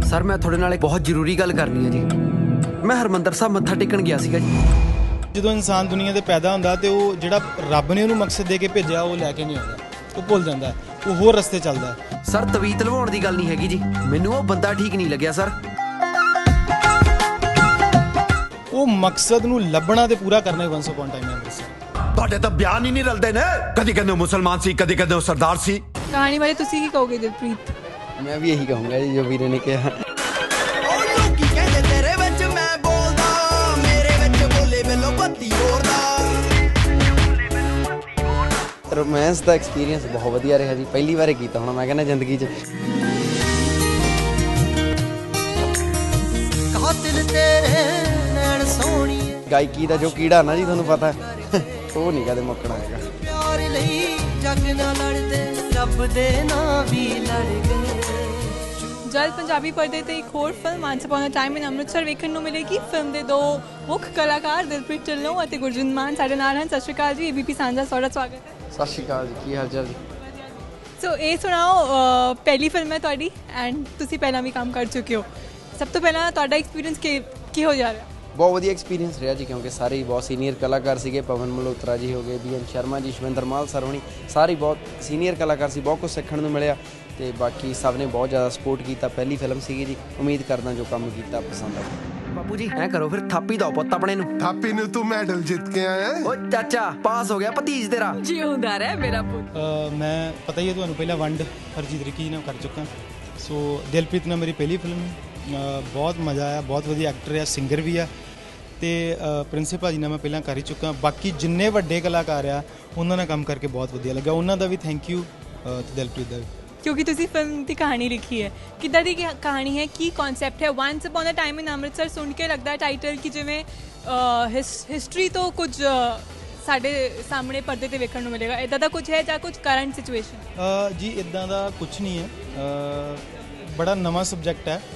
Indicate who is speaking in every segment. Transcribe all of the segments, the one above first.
Speaker 1: Sir ਮੈਂ ਤੁਹਾਡੇ ਨਾਲ ਇੱਕ ਬਹੁਤ ਜ਼ਰੂਰੀ ਗੱਲ ਕਰਨੀ ਹੈ ਜੀ। ਮੈਂ ਹਰਮੰਦਰ ਸਾਹਿਬ ਮੱਥਾ ਟੇਕਣ ਗਿਆ ਸੀਗਾ ਜੀ।
Speaker 2: ਜਦੋਂ ਇਨਸਾਨ ਦੁਨੀਆ ਤੇ ਪੈਦਾ ਹੁੰਦਾ ਤੇ ਉਹ ਜਿਹੜਾ ਰੱਬ ਨੇ ਉਹਨੂੰ ਮਕਸਦ ਦੇ ਕੇ ਭੇਜਿਆ ਉਹ ਲੈ ਕੇ ਨਹੀਂ ਆਉਂਦਾ, ਉਹ ਭੁੱਲ ਜਾਂਦਾ, ਉਹ ਹੋਰ ਰਸਤੇ ਚੱਲਦਾ।
Speaker 1: ਸਰ ਤਵੀਤ ਲਵਾਉਣ ਦੀ ਗੱਲ ਨਹੀਂ ਹੈਗੀ ਜੀ, ਮੈਨੂੰ ਉਹ ਬੰਦਾ ਠੀਕ ਨਹੀਂ ਲੱਗਿਆ ਸਰ।
Speaker 2: ਉਹ ਮਕਸਦ ਨੂੰ ਲੱਭਣਾ ਤੇ ਪੂਰਾ ਕਰਨਾ ਹੀ ਵਨਸ ਅਪਨ ਟਾਈਮ ਅੰਮ੍ਰਿਤਸਰ।
Speaker 3: ਤੁਹਾਡੇ ਤਾਂ ਬਿਆਨ ਹੀ ਨਹੀਂ ਰਲਦੇ ਨੇ, ਕਦੀ ਕਹਿੰਦੇ ਮੁਸਲਮਾਨ ਸੀ, ਕਦੀ ਕਹਿੰਦੇ ਸਰਦਾਰ ਸੀ।
Speaker 4: ਕਹਾਣੀ ਬਾਰੇ ਤੁਸੀਂ ਕੀ ਕਹੋਗੇ ਦਿਲਪ੍ਰੀਤ?
Speaker 1: ਮੈਂ ਵੀ ਇਹੀ ਕਹੂੰਗਾ ਜੀ ਜੋ ਵੀਰੇ ਨੇ ਕਿਹਾ।
Speaker 5: ਲੋਕੀ ਕਹਿੰਦੇ ਤੇਰੇ ਵਿੱਚ ਮੈਂ ਬੋਲਦਾ, ਮੇਰੇ ਵਿੱਚ ਬੋਲੇ ਮੈਨੂੰ ਬੱਤੀ ਹੋਰ ਦਾ।
Speaker 1: ਰੋਮਾਂਸ ਦਾ ਐਕਸਪੀਰੀਅੰਸ ਬਹੁਤ ਵਧੀਆ ਰਿਹਾ ਜੀ, ਪਹਿਲੀ ਵਾਰ ਕੀਤਾ ਹੋਣਾ ਮੈਂ ਕਹਿੰਦਾ ਜ਼ਿੰਦਗੀ 'ਚ।
Speaker 5: ਕਾਤਿਲ ਤੇਰੇ ਨੈਣ ਸੋਹਣੀ,
Speaker 1: ਗਾਇਕੀ ਦਾ ਜੋ ਕੀੜਾ ਨਾ ਜੀ ਤੁਹਾਨੂੰ ਪਤਾ ਉਹ ਨਹੀਂ ਕਦੇ ਮੁੱਕਣਾ ਹੈਗਾ।
Speaker 5: ਪਿਆਰ ਲਈ ਜੱਗ ਨਾਲ ਲੜਦੇ, ਰੱਬ ਦੇ ਨਾਂ ਵੀ ਲੜ ਗਏ।
Speaker 4: ਜਲਦ ਪੰਜਾਬੀ ਪਰਦੇ ਤੇ ਇੱਕ ਹੋਰ film once upon a time in Amritsar ਵੇਖਣ ਨੂੰ ਮਿਲੇਗੀ। ਫਿਲਮ ਦੇ ਦੋ ਮੁੱਖ ਕਲਾਕਾਰ ਦਿਲਪ੍ਰੀਤ ਢਿੱਲੋਂ ਅਤੇ ਗੁਰਜਿੰਦਰ ਮਾਨ ਸਾਡੇ ਨਾਲ ਹਨ। ਸਤਿ ਸ਼੍ਰੀ ਅਕਾਲ ਜੀ, ABP ਸਾਂਝਾ ਤੁਹਾਡਾ ਸਵਾਗਤ ਹੈ।
Speaker 1: ਸਤਿ ਸ਼੍ਰੀ ਅਕਾਲ ਜੀ, ਕੀ ਹਾਲ ਚਾਲ ਜੀ?
Speaker 4: ਸੋ ਇਹ ਸੁਣਾਓ, ਪਹਿਲੀ ਫਿਲਮ ਹੈ ਤੁਹਾਡੀ ਐਂਡ ਤੁਸੀਂ ਪਹਿਲਾਂ ਵੀ ਕੰਮ ਕਰ ਚੁੱਕੇ ਹੋ। ਸਭ ਤੋਂ ਪਹਿਲਾਂ ਤੁਹਾਡਾ ਐਕਸਪੀਰੀਅੰਸ ਕਿਹੋ ਜਿਹਾ ਰਿਹਾ?
Speaker 1: ਬਹੁਤ ਵਧੀਆ ਐਕਸਪੀਰੀਅੰਸ ਰਿਹਾ ਜੀ, ਕਿਉਂਕਿ ਸਾਰੇ ਹੀ ਬਹੁਤ ਸੀਨੀਅਰ ਕਲਾਕਾਰ ਸੀਗੇ। ਪਵਨ ਮਲਹੋਤਰਾ ਜੀ ਹੋ ਗਏ, BN ਸ਼ਰਮਾ ਜੀ, ਸ਼ਵਿੰਦਰ ਮਾਲ ਸਰ ਹੋਣੀ, ਸਾਰੇ ਬਹੁਤ ਸੀਨੀਅਰ ਕਲਾਕਾਰ ਸੀ। ਬਹੁਤ ਕੁਝ ਸਿੱਖਣ ਨੂੰ ਮਿਲਿਆ ਤੇ ਬਾਕੀ ਸਭ ਨੇ ਬਹੁਤ ਜ਼ਿਆਦਾ ਸਪੋਰਟ ਕੀਤਾ। ਪਹਿਲੀ ਫਿਲਮ ਸੀਗੀ ਜੀ, ਉਮੀਦ ਕਰਦਾ ਜੋ ਕੰਮ ਕੀਤਾ ਪਸੰਦ ਆਊ। ਬਾਪੂ ਜੀ ਐਂ ਕਰੋ ਫਿਰ ਥਾਪੀ ਦਿਓ ਪੁੱਤ ਆਪਣੇ ਨੂੰ।
Speaker 6: ਥਾਪੀ ਨੂੰ ਤੂੰ ਮੈਡਲ ਜਿੱਤ ਕੇ ਆਇਆ।
Speaker 1: ਓ ਚਾਚਾ ਪਾਸ ਹੋ ਗਿਆ ਭਤੀਜ ਤੇਰਾ।
Speaker 4: ਜਿਉਂਦਾ ਰਹਿ ਮੇਰਾ ਪੁੱਤ।
Speaker 2: ਮੈਂ ਪਤਾ ਹੀ ਹੈ ਤੁਹਾਨੂੰ, ਪਹਿਲਾਂ ਵੰਡ ਹਰਜੀਤ ਰਿੱਕੀ ਨਾਲ ਕਰ ਚੁੱਕਾ। ਸੋ ਦਿਲਪ੍ਰੀਤ ਨਾਲ ਮੇਰੀ ਪਹਿਲੀ ਫਿਲਮ ਹੈ। ਬਹੁਤ ਮਜ਼ਾ ਆਇਆ, ਬਹੁਤ ਵਧੀਆ ਐਕਟਰ ਹੈ, ਸਿੰਗਰ ਵੀ ਆ। ਤੇ ਪ੍ਰਿੰਸੀਪਲ ਭਾਜੀ ਨਾਲ ਮੈਂ ਪਹਿਲਾਂ ਕਰ ਹੀ ਚੁੱਕਾ। ਬਾਕੀ ਜਿੰਨੇ ਵੱਡੇ ਕਲਾਕਾਰ ਆ ਉਹਨਾਂ ਨਾਲ ਕੰਮ ਕਰਕੇ ਬਹੁਤ ਵਧੀਆ ਲੱਗਾ। ਉਹਨਾਂ ਦਾ ਵੀ ਥੈਂਕ ਯੂ ਤੇ ਦਿਲਪ੍ਰੀਤ ਦਾ ਵੀ।
Speaker 4: ਕਿਉਂਕਿ ਤੁਸੀਂ ਫਿਲਮ ਦੀ ਕਹਾਣੀ ਲਿਖੀ ਹੈ, ਕਿੱਦਾਂ ਦੀ ਕਹਾਣੀ ਹੈ, ਕੀ ਕਨਸੈਪਟ ਹੈ? Once upon a time in Amritsar ਸੁਣ ਕੇ ਲੱਗਦਾ ਟਾਈਟਲ ਕਿ ਜਿਵੇਂ ਹਿਸਟਰੀ ਤੋਂ ਕੁਝ ਸਾਡੇ ਸਾਹਮਣੇ ਪਰਦੇ ਤੇ ਵੇਖਣ ਨੂੰ ਮਿਲੇਗਾ। ਇੱਦਾਂ ਦਾ ਕੁਝ ਹੈ ਜਾਂ ਕੁਝ ਕਰੰਟ ਸਿਚੁਏਸ਼ਨ?
Speaker 2: ਜੀ ਇੱਦਾਂ ਦਾ ਕੁਝ ਨਹੀਂ ਹੈ, ਬੜਾ ਨਵਾਂ ਸਬਜੈਕਟ ਹੈ।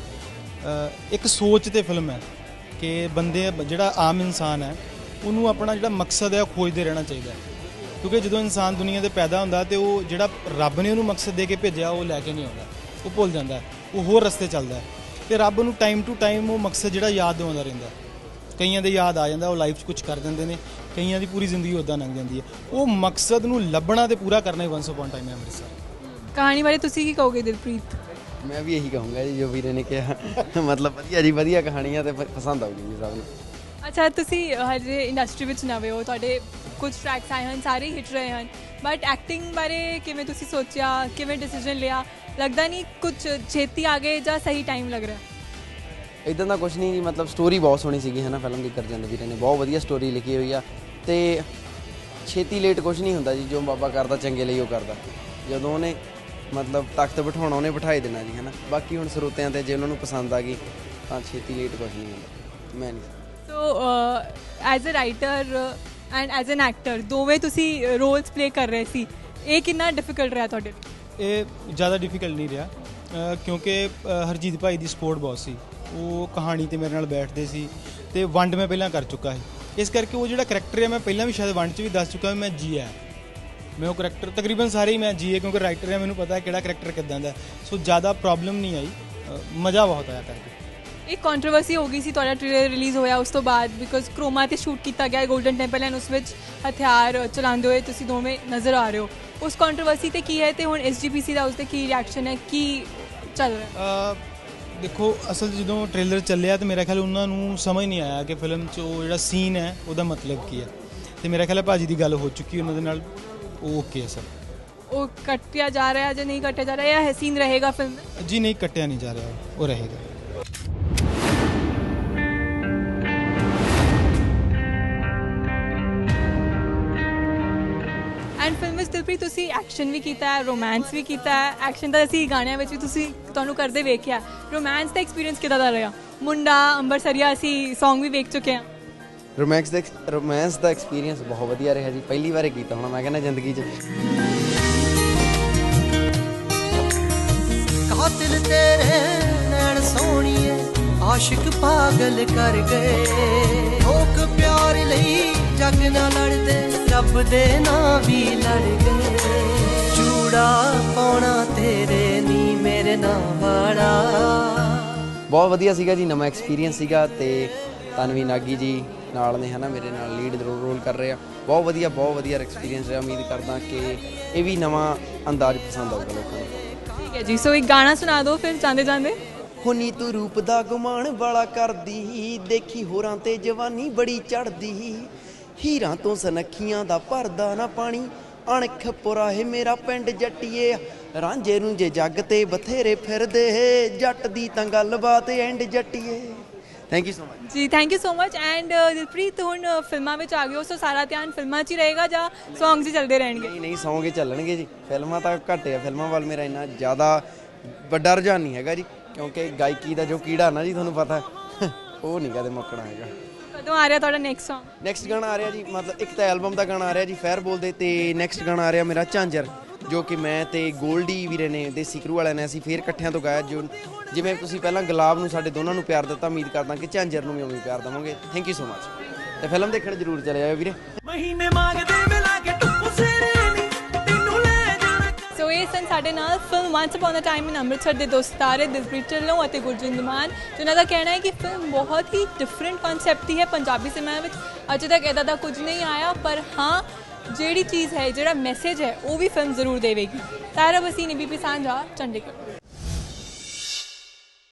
Speaker 2: ਇੱਕ ਸੋਚ ਤੇ ਫਿਲਮ ਹੈ ਕਿ ਬੰਦੇ ਜਿਹੜਾ ਆਮ ਇਨਸਾਨ ਹੈ ਉਹਨੂੰ ਆਪਣਾ ਜਿਹੜਾ ਮਕਸਦ ਹੈ ਉਹ ਖੋਜਦੇ ਰਹਿਣਾ ਚਾਹੀਦਾ ਹੈ। ਕਿਉਂਕਿ ਜਦੋਂ ਇਨਸਾਨ ਦੁਨੀਆ 'ਤੇ ਪੈਦਾ ਹੁੰਦਾ ਤੇ ਉਹ ਜਿਹੜਾ ਰੱਬ ਨੇ ਉਹਨੂੰ ਮਕਸਦ ਦੇ ਕੇ ਭੇਜਿਆ ਉਹ ਲੈ ਕੇ ਨਹੀਂ ਆਉਂਦਾ, ਉਹ ਭੁੱਲ ਜਾਂਦਾ, ਉਹ ਹੋਰ ਰਸਤੇ ਚੱਲਦਾ। ਤੇ ਰੱਬ ਨੂੰ ਟਾਈਮ ਟੂ ਟਾਈਮ ਉਹ ਮਕਸਦ ਜਿਹੜਾ ਯਾਦ ਦਿਵਾਉਂਦਾ ਰਹਿੰਦਾ। ਕਈਆਂ ਦੇ ਯਾਦ ਆ ਜਾਂਦਾ, ਉਹ ਲਾਈਫ 'ਚ ਕੁਝ ਕਰ ਦਿੰਦੇ ਨੇ, ਕਈਆਂ ਦੀ ਪੂਰੀ ਜ਼ਿੰਦਗੀ ਉੱਦਾਂ ਲੰਘ ਜਾਂਦੀ ਹੈ। ਉਹ ਮਕਸਦ ਨੂੰ ਲੱਭਣਾ ਤੇ ਪੂਰਾ ਕਰਨਾ ਹੀ ਵਨਸ ਅਪਨ ਟਾਈਮ ਹੈ ਅੰਮ੍ਰਿਤਸਰ।
Speaker 4: ਕਹਾਣੀ ਬਾਰੇ ਤੁਸੀਂ ਕੀ ਕਹੋਗੇ ਦਿਲਪ੍ਰੀਤ?
Speaker 1: ਮੈਂ ਵੀ ਇਹੀ ਕਹੂੰਗਾ ਜੀ ਜੋ ਵੀਰੇ ਨੇ ਕਿਹਾ। ਮਤਲਬ ਵਧੀਆ ਜੀ, ਵਧੀਆ ਕਹਾਣੀਆਂ ਤੇ ਪਸੰਦ ਆਊਗੀ ਜੀ ਸਭ ਨੂੰ।
Speaker 4: ਅੱਛਾ, ਤੁਸੀਂ ਹਜੇ ਇੰਡਸਟਰੀ ਵਿੱਚ ਨਵੇਂ ਹੋ, ਤੁਹਾਡੇ ਕੁਝ ਟਰੈਕਸ ਆਏ ਹਨ, ਸਾਰੇ ਹਿੱਟ ਰਹੇ ਹਨ, ਬਟ ਐਕਟਿੰਗ ਬਾਰੇ ਕਿਵੇਂ ਤੁਸੀਂ ਸੋਚਿਆ, ਕਿਵੇਂ ਡਿਸੀਜਨ ਲਿਆ? ਲੱਗਦਾ ਨਹੀਂ ਕੁਝ ਛੇਤੀ ਆ ਗਏ ਜਾਂ ਸਹੀ ਟਾਈਮ ਲੱਗ ਰਿਹਾ?
Speaker 1: ਇੱਦਾਂ ਦਾ ਕੁਝ ਨਹੀਂ ਜੀ, ਮਤਲਬ ਸਟੋਰੀ ਬਹੁਤ ਸੋਹਣੀ ਸੀਗੀ ਹੈ ਨਾ ਫਿਲਮ ਦੀ। ਗੁਰਜਿੰਦਰ ਵੀਰੇ ਨੇ ਬਹੁਤ ਵਧੀਆ ਸਟੋਰੀ ਲਿਖੀ ਹੋਈ ਆ ਤੇ ਛੇਤੀ ਲੇਟ ਕੁਝ ਨਹੀਂ ਹੁੰਦਾ ਜੀ। ਜੋ ਬਾਬਾ ਕਰਦਾ ਚੰਗੇ ਲਈ ਉਹ ਕਰਦਾ। ਜਦੋਂ ਉਹਨੇ ਮਤਲਬ ਤਖਤ ਬਿਠਾਉਣਾ ਉਹਨੇ ਬਿਠਾਈ ਦੇਣਾ ਜੀ, ਹੈ ਨਾ। ਬਾਕੀ ਹੁਣ ਸਰੋਤਿਆਂ 'ਤੇ ਜੇ ਉਹਨਾਂ ਨੂੰ ਪਸੰਦ ਆ ਗਈ ਤਾਂ ਛੇਤੀ ਲੇਟ ਕੁਝ ਨਹੀਂ ਹੁੰਦਾ। ਮੈਂ ਨਹੀਂ।
Speaker 4: So as a writer and as an actor ਦੋਵੇਂ ਤੁਸੀਂ ਰੋਲਸ ਪਲੇ ਕਰ ਰਹੇ ਸੀ, ਇਹ ਕਿੰਨਾ ਡਿਫਿਕਲਟ ਰਿਹਾ ਤੁਹਾਡੇ ਲਈ?
Speaker 2: ਇਹ ਜ਼ਿਆਦਾ ਡਿਫਿਕਲਟ ਨਹੀਂ ਰਿਹਾ, ਕਿਉਂਕਿ ਹਰਜੀਤ ਭਾਈ ਦੀ ਸਪੋਰਟ ਬਹੁਤ ਸੀ। ਉਹ ਕਹਾਣੀ ਤੇ ਮੇਰੇ ਨਾਲ ਬੈਠਦੇ ਸੀ ਤੇ ਵੰਡ ਮੈਂ ਪਹਿਲਾਂ ਕਰ ਚੁੱਕਾ ਸੀ। ਇਸ ਕਰਕੇ ਉਹ ਜਿਹੜਾ ਕਰੈਕਟਰ ਹੈ ਮੈਂ ਪਹਿਲਾਂ ਵੀ ਸ਼ਾਇਦ ਵੰਡ 'ਚ ਵੀ ਦੱਸ ਚੁੱਕਾ, ਮੈਂ ਜੀਆ। ਮੈਂ ਉਹ ਕਰੈਕਟਰ ਤਕਰੀਬਨ ਸਾਰੇ ਹੀ ਮੈਂ ਜੀਏ, ਕਿਉਂਕਿ ਰਾਈਟਰ ਹੈ, ਮੈਨੂੰ ਪਤਾ ਕਿਹੜਾ ਕਰੈਕਟਰ ਕਿੱਦਾਂ ਦਾ। ਸੋ ਜ਼ਿਆਦਾ ਪ੍ਰੋਬਲਮ ਨਹੀਂ ਆਈ, ਮਜ਼ਾ ਬਹੁਤ ਆਇਆ ਕਰਕੇ।
Speaker 4: ਇੱਕ ਕੰਟਰੋਵਰਸੀ ਹੋ ਗਈ ਸੀ ਤੁਹਾਡਾ ਟ੍ਰੇਲਰ ਰਿਲੀਜ਼ ਹੋਇਆ ਉਸ ਤੋਂ ਬਾਅਦ, ਬਿਕੋਜ਼ ਕ੍ਰੋਮਾ 'ਤੇ ਸ਼ੂਟ ਕੀਤਾ ਗਿਆ ਗੋਲਡਨ ਟੈਂਪਲ ਐਂਡ ਉਸ ਵਿੱਚ ਹਥਿਆਰ ਚਲਾਉਂਦੇ ਹੋਏ ਤੁਸੀਂ ਦੋਵੇਂ ਨਜ਼ਰ ਆ ਰਹੇ ਹੋ। ਉਸ ਕੰਟਰੋਵਰਸੀ 'ਤੇ ਕੀ ਹੈ ਤੇ ਹੁਣ SGPC ਦਾ ਉਸ 'ਤੇ ਕੀ ਰਿਐਕਸ਼ਨ ਹੈ, ਕੀ ਚੱਲ ਰਿਹਾ?
Speaker 2: ਦੇਖੋ, ਅਸਲ 'ਚ ਜਦੋਂ ਟ੍ਰੇਲਰ ਚੱਲਿਆ ਤਾਂ ਮੇਰਾ ਖਿਆਲ ਉਹਨਾਂ ਨੂੰ ਸਮਝ ਨਹੀਂ ਆਇਆ ਕਿ ਫਿਲਮ 'ਚ ਉਹ ਜਿਹੜਾ ਸੀਨ ਹੈ ਉਹਦਾ ਮਤਲਬ ਕੀ ਹੈ। ਤੇ ਮੇਰਾ ਖਿਆਲ ਹੈ ਭਾਜੀ ਦੀ ਗੱਲ ਹੋ ਚੁੱਕੀ ਉਹਨਾਂ ਦੇ ਨਾਲ, ਉਹ ਓਕੇ ਹੈ ਸਰ।
Speaker 4: ਉਹ ਕੱਟਿਆ ਜਾ ਰਿਹਾ ਜਾਂ ਨਹੀਂ ਕੱਟਿਆ ਜਾ ਰਿਹਾ, ਜਾਂ ਸੀਨ ਰਹੇਗਾ ਫਿਲਮ ਵਿੱਚ? ਜੀ
Speaker 2: ਨਹੀਂ, ਕੱਟਿਆ ਨਹੀਂ ਜਾ ਰਿਹਾ, ਉਹ ਰਹੇਗਾ।
Speaker 4: ਐਂਡ ਫਿਲਮ ਵਿੱਚ ਦਿਲਪ੍ਰੀਤ ਤੁਸੀਂ ਐਕਸ਼ਨ ਵੀ ਕੀਤਾ ਹੈ, ਰੋਮਾਂਸ ਵੀ ਕੀਤਾ ਹੈ। ਐਕਸ਼ਨ ਤਾਂ ਅਸੀਂ ਗਾਣਿਆਂ ਵਿੱਚ ਵੀ ਤੁਹਾਨੂੰ ਕਰਦੇ ਵੇਖਿਆ, ਰੋਮਾਂਸ ਦਾ ਐਕਸਪੀਰੀਅੰਸ ਕਿੱਦਾਂ ਦਾ ਰਿਹਾ? ਮੁੰਡਾ ਅੰਬਰਸਰੀਆ ਅਸੀਂ ਸੌਂਗ ਵੀ ਵੇਖ ਚੁੱਕੇ ਹਾਂ।
Speaker 1: ਰੋਮਾਂਸ ਦਾ ਐਕਸਪੀਰੀਅੰਸ ਬਹੁਤ ਵਧੀਆ ਰਿਹਾ ਜੀ, ਪਹਿਲੀ ਵਾਰ ਕੀਤਾ ਹੋਣਾ ਮੈਂ ਕਹਿੰਦਾ ਜ਼ਿੰਦਗੀ 'ਚ।
Speaker 5: ਕਾਤਿਲ ਤੇਰੇ ਨੈਣ ਸੋਹਣੀਏ, ਆਸ਼ਿਕ ਪਾਗਲ ਕਰ ਗਏ। ਲੋਕ ਪਿਆਰ ਲਈ ਜੱਗ ਨਾਲ ਲੜਦੇ, ਰੱਬ ਦੇ ਨਾਂ ਵੀ ਲੜ ਗਏ। ਚੂੜਾ ਪਾਉਣਾ ਤੇਰੇ ਨੀ ਮੇਰੇ ਨਾਲ ਵਾਲਾ,
Speaker 1: ਬਹੁਤ ਵਧੀਆ ਸੀਗਾ ਜੀ, ਨਵਾਂ ਐਕਸਪੀਰੀਅੰਸ ਸੀਗਾ। ਤੇ ਤਨਵੀ ਨਾਗੀ ਜੀ ਨਾਲ ਨੇ ਹੈ ਨਾ, ਮੇਰੇ ਨਾਲ ਲੀਡ ਰੋਲ ਕਰ ਰਹੇ ਆ। ਬਹੁਤ ਵਧੀਆ ਐਕਸਪੀਰੀਅੰਸ ਰਿਹਾ। ਉਮੀਦ ਕਰਦਾ ਕਿ ਇਹ ਵੀ ਨਵਾਂ ਅੰਦਾਜ਼ ਪਸੰਦ ਆਊਗਾ ਲੋਕਾਂ ਨੂੰ।
Speaker 4: ठीक है जी, सो एक गाना सुना दो फिर जाते जाते।
Speaker 1: ਹੁਣੀ ਤੂੰ ਰੂਪ ਦਾ ਗੁਮਾਨ ਵਾਲਾ ਕਰਦੀ, ਦੇਖੀ ਹੋਰਾਂ ਤੇ ਜਵਾਨੀ ਬੜੀ ਚੜਦੀ, ਹੀਰਾਂ ਤੋਂ ਸਨੱਖੀਆਂ ਦਾ ਭਰਦਾ ਨਾ ਪਾਣੀ, ਅਣਖ ਪੁਰਾਹੇ ਮੇਰਾ ਪਿੰਡ ਜੱਟੀਏ, ਰਾਂਝੇ ਰੂੰਝੇ ਜੱਗ ਤੇ ਬਥੇਰੇ ਫਿਰਦੇ, ਜੱਟ ਦੀ ਤਾਂ ਗੱਲਬਾਤ ਐਂਡ ਜੱਟੀਏ। ਥੈਂਕ ਯੂ ਸੋ ਮਚ
Speaker 4: ਜੀ, thank you so much. And Dilpreet, ਹੁਣ ਫਿਲਮਾਂ ਵਿੱਚ ਆ ਗਏ ਹੋ, ਸੋ ਸਾਰਾ ਧਿਆਨ ਫਿਲਮਾਂ 'ਚ ਹੀ ਰਹੇਗਾ ਜਾਂ ਸੌਂਗਸ ਹੀ ਚੱਲਦੇ ਰਹਿਣਗੇ?
Speaker 1: ਨਹੀਂ ਸੌਂਗ ਹੀ ਚੱਲਣਗੇ ਜੀ, ਫਿਲਮਾਂ ਤਾਂ ਘੱਟ ਆ। ਫਿਲਮਾਂ ਵੱਲ ਮੇਰਾ ਇੰਨਾ ਜ਼ਿਆਦਾ ਵੱਡਾ ਰੁਝਾਨ ਨਹੀਂ ਹੈਗਾ ਜੀ, ਕਿਉਂਕਿ ਗਾਇਕੀ ਦਾ ਜੋ ਕੀੜਾ ਨਾ ਜੀ ਤੁਹਾਨੂੰ ਪਤਾ ਉਹ ਨਹੀਂ ਕਦੇ ਮੁੱਕਣਾ ਹੈਗਾ।
Speaker 4: ਕਦੋਂ ਆ ਰਿਹਾ ਤੁਹਾਡਾ ਨੈਕਸਟ ਸੌਂਗ?
Speaker 1: ਨੈਕਸਟ ਗਾਣਾ ਆ ਰਿਹਾ ਜੀ, ਮਤਲਬ ਇੱਕ ਤਾਂ ਐਲਬਮ ਦਾ ਗਾਣਾ ਆ ਰਿਹਾ ਜੀ ਫੈਰ ਬੋਲਦੇ, ਤੇ ਨੈਕਸਟ ਗਾਣਾ ਆ ਰਿਹਾ ਮੇਰਾ ਝਾਂਜਰ, ਜੋ ਕਿ ਮੈਂ ਤੇ ਗੋਲਡੀ ਵੀਰੇ ਨੇ, ਦੇਸੀ ਕਰੂ ਵਾਲਿਆਂ ਨੇ, ਅਸੀਂ ਫੇਰ ਇਕੱਠਿਆਂ ਤੋਂ ਗਾਇਆ। ਜੋ ਜਿਵੇਂ ਤੁਸੀਂ ਪਹਿਲਾਂ ਗੁਲਾਬ ਨੂੰ ਸਾਡੇ ਦੋਨਾਂ ਨੂੰ ਪਿਆਰ ਦਿੱਤਾ, ਉਮੀਦ ਕਰਦਾ ਕਿ ਝਾਂਜਰ ਨੂੰ ਵੀ ਉਵੇਂ ਪਿਆਰ ਦੇਵਾਂਗੇ। Thank you so much. ਤੇ ਫਿਲਮ ਦੇਖਣ ਜ਼ਰੂਰ ਚਲੇ ਜਾਇਓ ਵੀਰੇ।
Speaker 5: ਮਹੀਨੇ ਮੰਗਦੇ ਮਿਲਾ ਕੇ ਟੁੱਪੂ ਸਿਰੇ ਨੀ ਤੈਨੂੰ ਲੈ ਜਾਣਾ।
Speaker 4: ਸੋ ਇਹ ਸਨ ਸਾਡੇ ਨਾਲ film once upon a time in Amritsar ਦੇ ਦੋ ਸਿਤਾਰੇ ਦਿਲਪ੍ਰੀਤ ਢਿੱਲੋਂ ਅਤੇ ਗੁਰਜਿੰਦਰ ਮਾਨ, ਜਿਨ੍ਹਾਂ ਦਾ ਕਹਿਣਾ ਹੈ ਕਿ ਫਿਲਮ ਬਹੁਤ ਹੀ ਡਿਫਰੈਂਟ ਕਨਸੈਪਟ ਦੀ ਹੈ। ਪੰਜਾਬੀ ਸਿਨੇਮਾ ਵਿੱਚ ਅਜੇ ਤੱਕ ਇੱਦਾਂ ਦਾ ਕੁਝ ਨਹੀਂ ਆਇਆ, ਪਰ ਹਾਂ ਜਿਹੜੀ ਚੀਜ਼ ਹੈ, ਜਿਹੜਾ ਮੈਸੇਜ ਹੈ, ਉਹ ਵੀ ਫਿਲਮ ਜ਼ਰੂਰ ਦੇਵੇਗੀ। ਤਾਰਾ ਬਸੀਨ, ABP ਸਾਂਝਾ, ਚੰਡੀਗੜ੍ਹ।